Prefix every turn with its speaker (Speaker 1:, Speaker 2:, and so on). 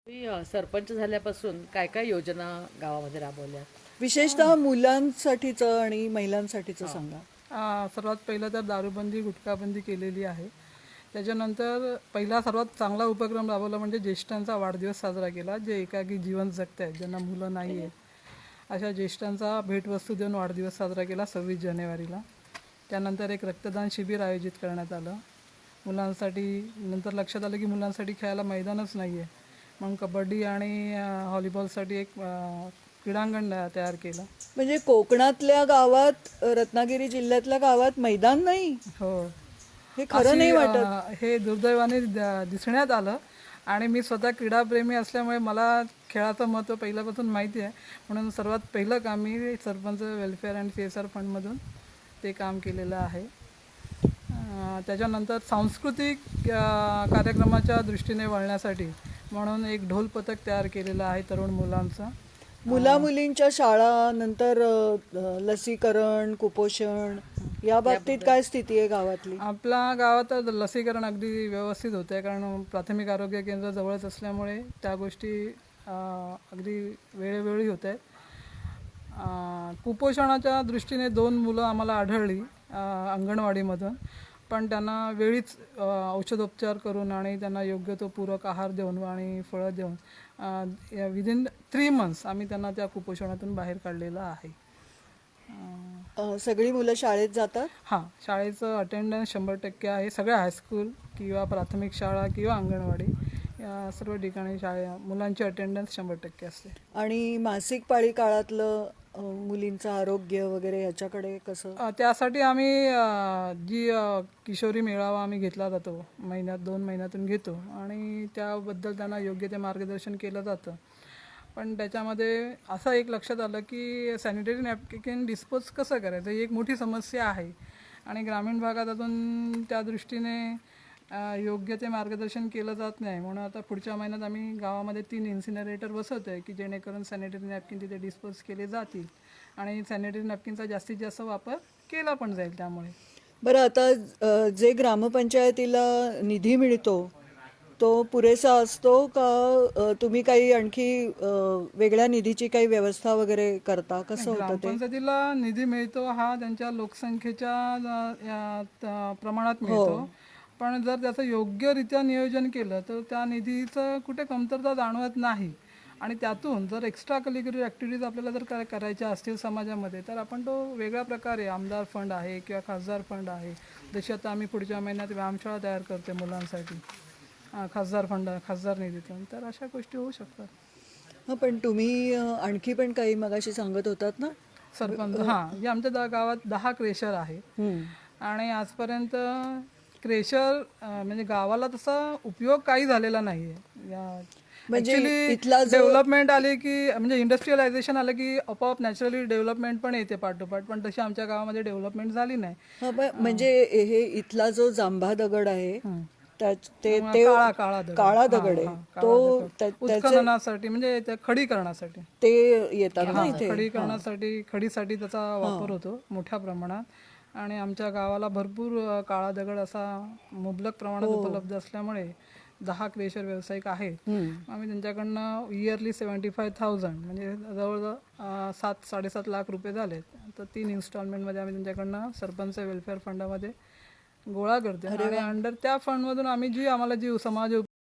Speaker 1: मी सरपंच झाल्यापासून काय काय योजना गावामध्ये राबवल्या?
Speaker 2: विशेषतः मुलांसाठीचं आणि महिलांसाठीचं सांगा.
Speaker 3: सर्वात पहिलं तर दारूबंदी गुटखाबंदी केलेली आहे. त्याच्यानंतर पहिला सर्वात चांगला उपक्रम राबवला म्हणजे ज्येष्ठांचा वाढदिवस साजरा केला. जे एकाकी जीवन जगत आहेत, ज्यांना मुलं नाही आहे, अशा ज्येष्ठांचा भेटवस्तू देऊन वाढदिवस साजरा केला 26 जानेवारीला. त्यानंतर एक रक्तदान शिबिर आयोजित करण्यात आलं मुलांसाठी. नंतर लक्षात आलं की मुलांसाठी खेळायला मैदानच नाही आहे, मग कबड्डी आणि व्हॉलीबॉलसाठी एक क्रीडांगण तयार केलं.
Speaker 2: म्हणजे कोकणातल्या गावात, रत्नागिरी जिल्ह्यातल्या गावात मैदान नाही,
Speaker 3: हो,
Speaker 2: हे खरं नाही वाटत.
Speaker 3: हे दुर्दैवाने दिसण्यात आलं. आणि मी स्वतः क्रीडाप्रेमी असल्यामुळे मला खेळाचं महत्त्व पहिल्यापासून माहिती आहे, म्हणून सर्वात पहिलं काम मी सरपंच वेलफेअर अँड CSR फंडमधून ते काम केलेलं आहे. त्याच्यानंतर सांस्कृतिक कार्यक्रमाच्या दृष्टीने वळण्यासाठी म्हणून एक ढोल पथक तयार केलेलं आहे तरुण मुलांचा.
Speaker 2: मुला मुलींच्या शाळा, नंतर लसीकरण, कुपोषण या बाबतीत काय स्थिती आहे गावातली?
Speaker 3: आपल्या गावात लसीकरण अगदी व्यवस्थित होतं आहे, कारण प्राथमिक आरोग्य केंद्र जवळच असल्यामुळे त्या गोष्टी अगदी वेळोवेळी होत आहेत. कुपोषणाच्या दृष्टीने 2 मुलं आम्हाला आढळली अंगणवाडीमधून, पण त्यांना वेळीच औषधोपचार करून आणि त्यांना योग्य तो पूरक आहार देऊन आणि फळं देऊन विदिन 3 months आम्ही त्यांना त्या कुपोषणातून बाहेर काढलेलं आहे.
Speaker 2: सगळी मुलं शाळेत जातात?
Speaker 3: हां, शाळेचं अटेंडन्स 100% आहे. सगळ्या हायस्कूल किंवा प्राथमिक शाळा किंवा अंगणवाडी या सर्व ठिकाणी मुलांची अटेंडन्स 100% असते.
Speaker 2: आणि मासिक पाळी काळातलं मुलींचं आरोग्य वगैरे याच्याकडे कसं?
Speaker 3: त्यासाठी आम्ही जी किशोरी मेळावा आम्ही घेतला जातो, 2 महिन्यातून घेतो आणि त्याबद्दल त्यांना योग्य ते मार्गदर्शन केलं जातं. पण त्याच्यामध्ये असं एक लक्षात आलं की सॅनिटरी नॅपकिन डिस्पोज कसं करायचं ही एक मोठी समस्या आहे आणि ग्रामीण भागात अजून त्या दृष्टीने योग्य ते मार्गदर्शन केलं जात नाही. म्हणून आता पुढच्या महिन्यात आम्ही गावामध्ये 3 इन्सिनरेटर बसवतो आहे की जेणेकरून सॅनिटरी नॅपकिन तिथे डिस्पोज केले जातील आणि सॅनिटरी नॅपकिनचा जास्तीत जास्त वापर केला पण जाईल. त्यामुळे
Speaker 2: बरं, आता जे ग्रामपंचायतीला निधी मिळतो तो पुरेसा असतो का? तुम्ही काही आणखी वेगळ्या निधीची काही व्यवस्था वगैरे करता? कसं होतं ते?
Speaker 3: ग्रामपंचायतीला निधी मिळतो हा त्यांच्या लोकसंख्येच्या प्रमाणात मिळतो, पण जर त्याचं योग्यरित्या नियोजन केलं तर त्या निधीचं कुठे कमतरता जाणवत नाही. आणि त्यातून जर एक्स्ट्रा करिक्युलर ॲक्टिव्हिटीज आपल्याला जर करायच्या असतील समाजामध्ये तर आपण तो वेगळ्या प्रकारे आमदार फंड आहे किंवा खासदार फंड आहे, जशी आता आम्ही पुढच्या महिन्यात व्यायामशाळा तयार करते मुलांसाठी खासदार निधीतून, तर अशा गोष्टी होऊ शकतात.
Speaker 2: हां, पण तुम्ही आणखी पण काही मगाशी सांगत होतात ना?
Speaker 3: सरपंच जे आमच्या गावात 10 क्रेशर आहे आणि आजपर्यंत क्रेशर म्हणजे गावाला तसा उपयोग काही झालेला नाही आहे.
Speaker 2: म्हणजे
Speaker 3: इथला डेव्हलपमेंट आली की म्हणजे इंडस्ट्रियलायझेशन आलं की आपोआप नॅचरली डेव्हलपमेंट पण येते पाठोपाठ, पण तशी आमच्या गावामध्ये डेव्हलपमेंट झाली नाही.
Speaker 2: म्हणजे हे इथला जो जांभा दगड आहे
Speaker 3: काळा
Speaker 2: दगड आहे, तो
Speaker 3: उत्खननासाठी म्हणजे खडीकरणासाठी
Speaker 2: ते येतात ना इथे.
Speaker 3: खडीसाठी त्याचा वापर होतो मोठ्या प्रमाणात आणि आमच्या गावाला भरपूर काळा दगड असा मुबलक प्रमाणात उपलब्ध असल्यामुळे 10 क्रेशर व्यावसायिक आहेत. आम्ही त्यांच्याकडनं इयरली 75,000 म्हणजे जवळजवळ 7-7.5 लाख रुपये झालेत. तर 3 इन्स्टॉलमेंटमध्ये आम्ही त्यांच्याकडनं सरपंच वेलफेअर फंडामध्ये गोळा करतो आणि अंडर त्या फंडमधून आम्ही आम्हाला जी समाज